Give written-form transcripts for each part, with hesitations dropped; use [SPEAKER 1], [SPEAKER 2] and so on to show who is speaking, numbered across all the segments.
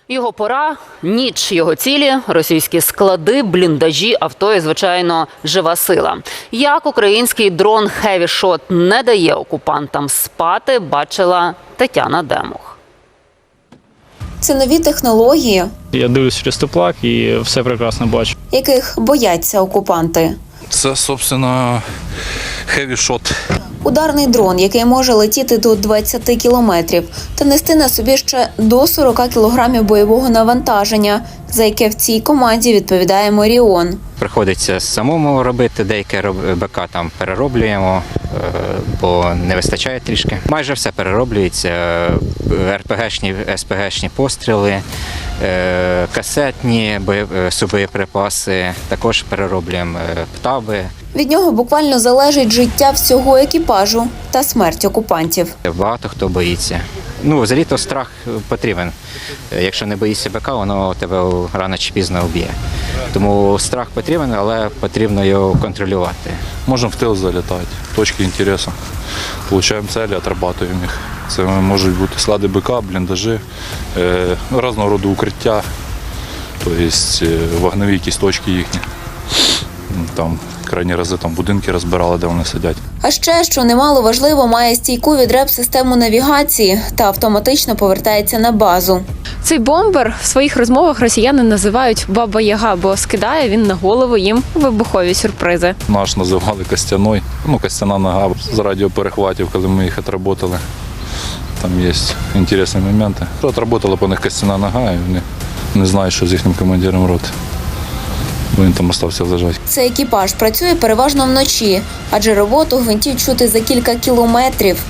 [SPEAKER 1] Його пора, ніч, його цілі, російські склади, бліндажі, авто і, звичайно, жива сила. Як український дрон Heavy Shot не дає окупантам спати, бачила Тетяна Демух.
[SPEAKER 2] Це нові технології,
[SPEAKER 3] Я дивлюсь через теплак і все прекрасно бачу.
[SPEAKER 2] яких бояться окупанти.
[SPEAKER 4] Це, собственно, Heavy Shot.
[SPEAKER 2] Ударний дрон, який може летіти до 20 кілометрів та нести на собі ще до 40 кілограмів бойового навантаження, за яке в цій команді відповідає Моріон.
[SPEAKER 5] Приходиться самому робити, деяке БК там перероблюємо, бо не вистачає трішки. Майже все перероблюється, РПГшні, СПГшні постріли, касетні субоєприпаси, також перероблюємо птаби.
[SPEAKER 2] Від нього буквально залежить життя всього екіпажу та смерть окупантів.
[SPEAKER 5] Багато хто боїться. Взагалі-то страх потрібен. Якщо не боїшся БК, воно тебе рано чи пізно вб'є. Тому страх потрібен, але потрібно його контролювати.
[SPEAKER 4] Можемо в тил залітати, точки інтересу. Получаємо цілі, отрабатуємо їх. Це можуть бути склади БК, бліндажі, різного роду укриття, тобто вогневі якісь точки їхні. Там крайні рази будинки розбирали, де вони сидять.
[SPEAKER 2] А ще, що немало важливо, має стійку від РЕП-систему навігації та автоматично повертається на базу.
[SPEAKER 6] Цей бомбер в своїх розмовах росіяни називають «Баба-Яга», бо скидає він на голову їм вибухові сюрпризи.
[SPEAKER 4] Наш називали Костяной, Костяна нога з радіоперехватів, коли ми їх отработали. Там є цікаві моменти. Отработала по них Костяна нога, і вони не знають, що з їхнім командиром роти. Бо він там залишився лежати.
[SPEAKER 2] Цей екіпаж працює переважно вночі, адже роботу гвинтів чути за кілька кілометрів.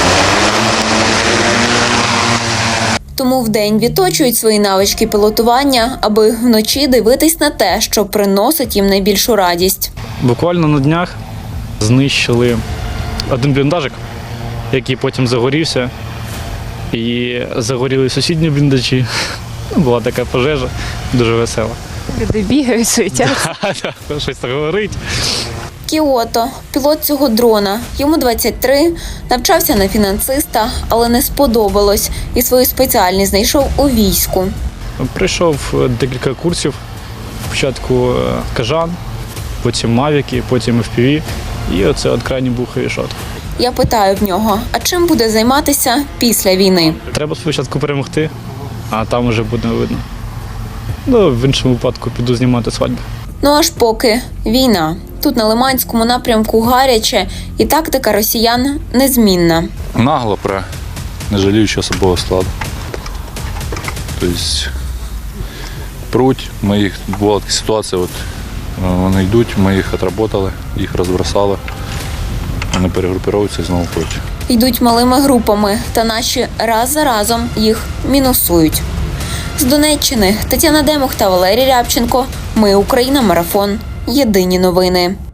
[SPEAKER 2] Тому вдень відточують свої навички пілотування, аби вночі дивитись на те, що приносить їм найбільшу радість.
[SPEAKER 3] Буквально на днях знищили один бліндажик, який потім загорівся. І загоріли сусідні бліндажі. Була така пожежа, дуже весела.
[SPEAKER 6] Люди бігають, суетяться.
[SPEAKER 3] Щось так говорить.
[SPEAKER 2] Кіото – пілот цього дрона. Йому 23, навчався на фінансиста, але не сподобалось і свою спеціальність знайшов у війську.
[SPEAKER 3] Прийшов декілька курсів. Спочатку Кажан, потім Мавіки, потім FPV. І оце крайній був Heavy Shot.
[SPEAKER 2] Я питаю в нього, а чим буде займатися після війни?
[SPEAKER 3] Треба спочатку перемогти, а там вже буде видно. В іншому випадку піду знімати свадьбу.
[SPEAKER 2] Ну аж поки війна. Тут на Лиманському напрямку гаряче, і тактика росіян незмінна.
[SPEAKER 4] Нагло не жаліючи особового складу. Тобто пруть, була така ситуація, вони йдуть, ми їх отработали, їх розбросали, вони перегрупуються і знову пруть.
[SPEAKER 2] Йдуть малими групами, та наші раз за разом їх мінусують. З Донеччини Тетяна Демух та Валерій Рябченко. Ми Україна. Марафон. Єдині новини.